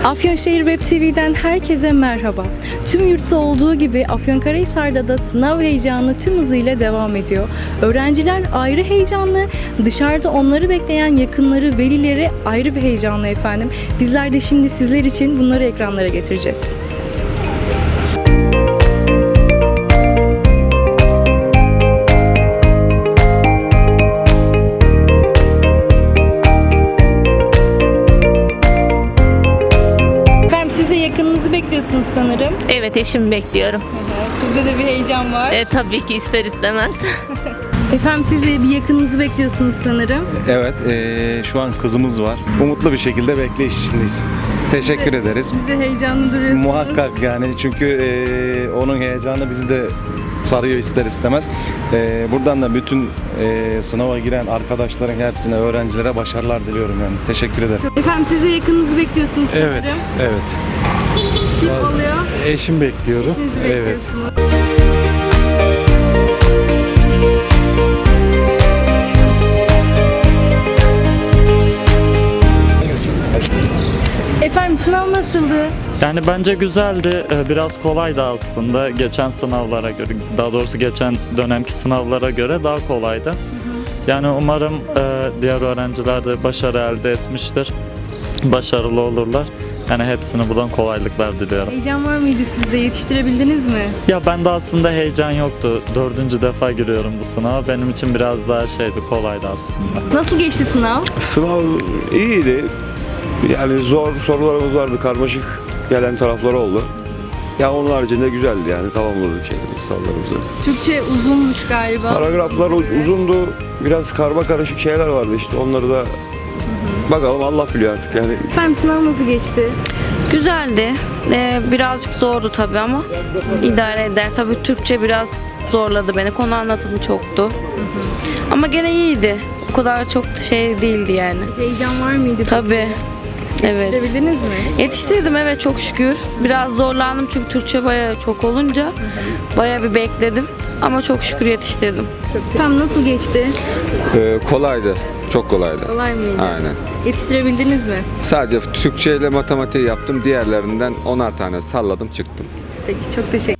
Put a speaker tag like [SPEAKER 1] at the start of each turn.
[SPEAKER 1] Afyonşehir Web TV'den herkese merhaba. Tüm yurtta olduğu gibi Afyonkarahisar'da da sınav heyecanı tüm hızıyla devam ediyor. Öğrenciler ayrı heyecanlı, dışarıda onları bekleyen yakınları, velileri ayrı bir heyecanlı efendim. Bizler de şimdi sizler için bunları ekranlara getireceğiz. Yakınınızı bekliyorsunuz sanırım.
[SPEAKER 2] Evet, eşimi bekliyorum.
[SPEAKER 1] Sizde de bir heyecan var.
[SPEAKER 2] Tabii ki ister istemez.
[SPEAKER 1] Efendim siz de bir yakınınızı bekliyorsunuz sanırım.
[SPEAKER 3] Evet, şu an kızımız var. Umutlu bir şekilde bekleyiş içindeyiz. Teşekkür ederiz.
[SPEAKER 1] Siz de heyecanlı duruyorsunuz.
[SPEAKER 3] Muhakkak yani çünkü onun heyecanı bizi de sarıyor ister istemez. Buradan da bütün sınava giren arkadaşların hepsine, öğrencilere başarılar diliyorum yani. Teşekkür ederim.
[SPEAKER 1] Efendim siz de yakınınızı bekliyorsunuz sanırım.
[SPEAKER 4] Evet.
[SPEAKER 1] Kim oluyor?
[SPEAKER 4] Eşim bekliyorum.
[SPEAKER 1] Eşinizi bekliyorsunuz. Efendim sınav nasıldı?
[SPEAKER 5] Yani bence güzeldi. Biraz kolaydı aslında. Geçen sınavlara göre, daha doğrusu geçen dönemki sınavlara göre daha kolaydı. Yani umarım diğer öğrenciler de başarı elde etmiştir. Başarılı olurlar. Yani hepsine buradan kolaylıklar diliyorum.
[SPEAKER 1] Heyecan var mıydı sizde? Yetiştirebildiniz mi?
[SPEAKER 5] Ya bende aslında heyecan yoktu. 4. defa giriyorum bu sınava. Benim için biraz daha kolaydı aslında.
[SPEAKER 1] Nasıl geçti sınav?
[SPEAKER 6] Sınav iyiydi. Yani zor sorularımız vardı, karmaşık gelen tarafları oldu. Ya onun haricinde güzeldi yani, tamamladık sorularımızı.
[SPEAKER 1] Türkçe uzunmuş galiba.
[SPEAKER 6] Paragraflar uzundu, biraz karma karışık şeyler vardı işte, onları da bakalım, Allah biliyor artık yani.
[SPEAKER 1] Efendim sınav nasıl geçti?
[SPEAKER 7] Güzeldi. Birazcık zordu tabii ama idare eder. Tabii Türkçe biraz zorladı beni. Konu anlatımı çoktu. Ama gene iyiydi. O kadar çok değildi yani.
[SPEAKER 1] Heyecan var mıydı?
[SPEAKER 7] Tabii. Evet.
[SPEAKER 1] Yetiştirebildiniz mi?
[SPEAKER 7] Yetiştirdim, evet, çok şükür. Biraz zorlandım çünkü Türkçe bayağı çok olunca bayağı bir bekledim. Ama çok şükür yetiştirdim.
[SPEAKER 1] Efendim nasıl geçti?
[SPEAKER 8] Kolaydı. Çok kolaydı.
[SPEAKER 1] Kolay mıydı?
[SPEAKER 8] Aynen.
[SPEAKER 1] Yetiştirebildiniz mi?
[SPEAKER 8] Sadece Türkçe ile matematiği yaptım. Diğerlerinden 10'ar tane salladım çıktım.
[SPEAKER 1] Peki çok teşekkür